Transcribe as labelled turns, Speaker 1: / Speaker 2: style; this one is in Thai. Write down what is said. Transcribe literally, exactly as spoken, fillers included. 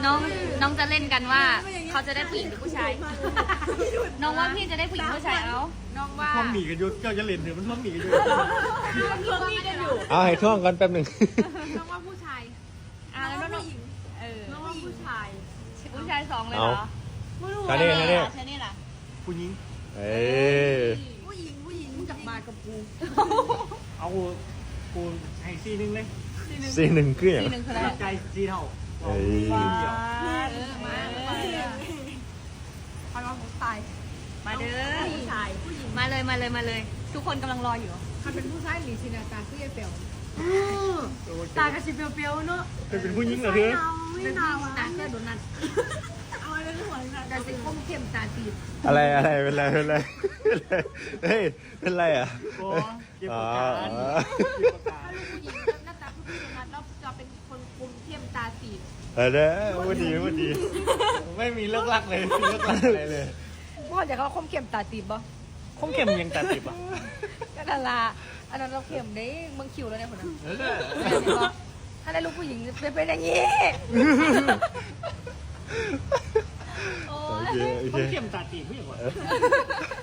Speaker 1: น้องน้องจะเล่นกันว่าเขาจะได้ผู้หญิงหรือผู้ชายน้องว่าพี่จะได้ผู้หญิงผู้ชายเอาน้องว่า
Speaker 2: ท่วงหมีกันอยู่เจ้าจะเล่นเถอะมันท่วงหมีกันอยู่
Speaker 1: ท่วงมีกันอยู่
Speaker 3: เอาให้ท่วงกันแป๊บหนึ่ง
Speaker 1: น้องว่าผู้ชายอ่าแล้วน้องหญิงเออน้องว่าผู้ชายผู้ชายสองเลยเหรอไม่รู้
Speaker 3: ท่านี้ท่านี้
Speaker 1: ใช่นี่แหละ
Speaker 2: ผู้หญิง
Speaker 3: เอ้ย
Speaker 1: ผู้หญิงผู้หญิงมึงจับมากับกู
Speaker 2: เอากูให้ซีนึงเลย
Speaker 3: ซีหนึ่งคืออย่าง
Speaker 1: ทีหนึ่งคืออะไร
Speaker 2: ใจซีเท่า
Speaker 3: เอ้ย
Speaker 1: ว้า
Speaker 2: เดียว
Speaker 1: เออมาพอน้องผู้ชายมาเด้อผู้ชายผู้หญิงมาเลยมาเลยมาเลย ทุกคนกำลังรออยู่
Speaker 4: ถ้าเป็นผู้ชายหรือชินาตาคือยังเปลวตากระชิบเปลวๆเนาะ
Speaker 2: จะเป็นผู้หญิงเหรอเธอ
Speaker 4: ไม่นาวตาแค่โดนนัดเอาอะไรเป็นหัวนัดแต่สิคมเข้มตาตีบ
Speaker 3: อะไรอะไรเป็นไรเป็นไรเฮ้ยเป็นไรอ่ะ
Speaker 2: โอ้เก็บ
Speaker 3: อ๋อ
Speaker 2: ประกันเก็บประกัน
Speaker 4: ผู้หญิงหน้าตาผู้หญิงนัดแล้วจะเป็นคนคมเข้มตาตีบ
Speaker 3: เออเด้อวันดีวันดี
Speaker 2: ไม่มีเลิกลักเลยไม่มีเลิกลักอะไรเลย
Speaker 4: ว่าจะเขาคมเข้มตาตีบบ่
Speaker 2: คงเข็มยังตัดติบอ่ะ
Speaker 4: ก็ดาราอันนั้นเราเข้มได้เมืองคิวแล้วเนี่ยคนนั้น
Speaker 2: เออ
Speaker 4: ถ้าได้ลูกผู้หญิงจะเป็นอย่างนี้
Speaker 3: โอเคโอ
Speaker 2: ค
Speaker 3: เค
Speaker 2: งเข็มตัดติบผู้หญิงวะ